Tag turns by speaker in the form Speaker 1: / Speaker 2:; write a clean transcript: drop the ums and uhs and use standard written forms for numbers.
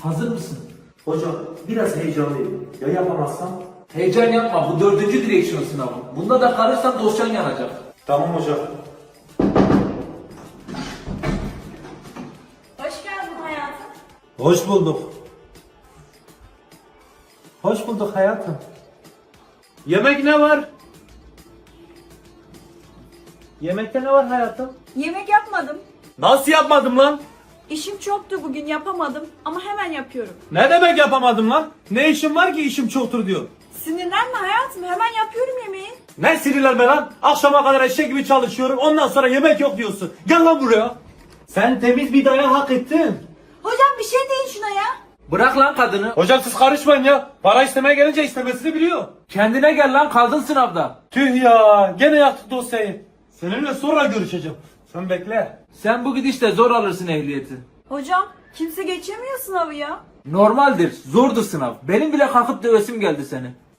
Speaker 1: Hazır mısın?
Speaker 2: Hocam biraz heyecanlıyım. Ya yapamazsam?
Speaker 1: Heyecan yapma, bu 4. direksiyon sınavı. Bunda da kalırsan dosyan yanacak.
Speaker 2: Tamam hocam.
Speaker 3: Hoş geldin hayatım.
Speaker 2: Hoş bulduk. Hoş bulduk hayatım. Yemek ne var? Yemekte ne var hayatım?
Speaker 3: Yemek yapmadım.
Speaker 2: Nasıl yapmadım lan?
Speaker 3: İşim çoktu bugün yapamadım ama hemen yapıyorum.
Speaker 2: Ne demek yapamadım lan? Ne işim var ki işim çoktur diyor.
Speaker 3: Sinirlenme hayatım, hemen yapıyorum yemeği.
Speaker 2: Ne sinirlenme lan? Akşama kadar eşek gibi çalışıyorum. Ondan sonra yemek yok diyorsun. Gel lan buraya. Sen temiz bir dayak hak ettin.
Speaker 3: Hocam bir şey deyin şuna ya.
Speaker 1: Bırak lan kadını.
Speaker 2: Hocam siz karışmayın ya. Para istemeye gelince istemesini biliyor.
Speaker 1: Kendine gel lan, kaldın sınavda.
Speaker 2: Tüh ya. Gene yaktık dosyayı. Seninle sonra görüşeceğim. Sen bekle.
Speaker 1: Sen bu gidişle zor alırsın ehliyeti.
Speaker 3: Hocam kimse geçemiyor sınavı ya.
Speaker 1: Normaldir, zordu sınav. Benim bile kalkıp dövesim geldi seni.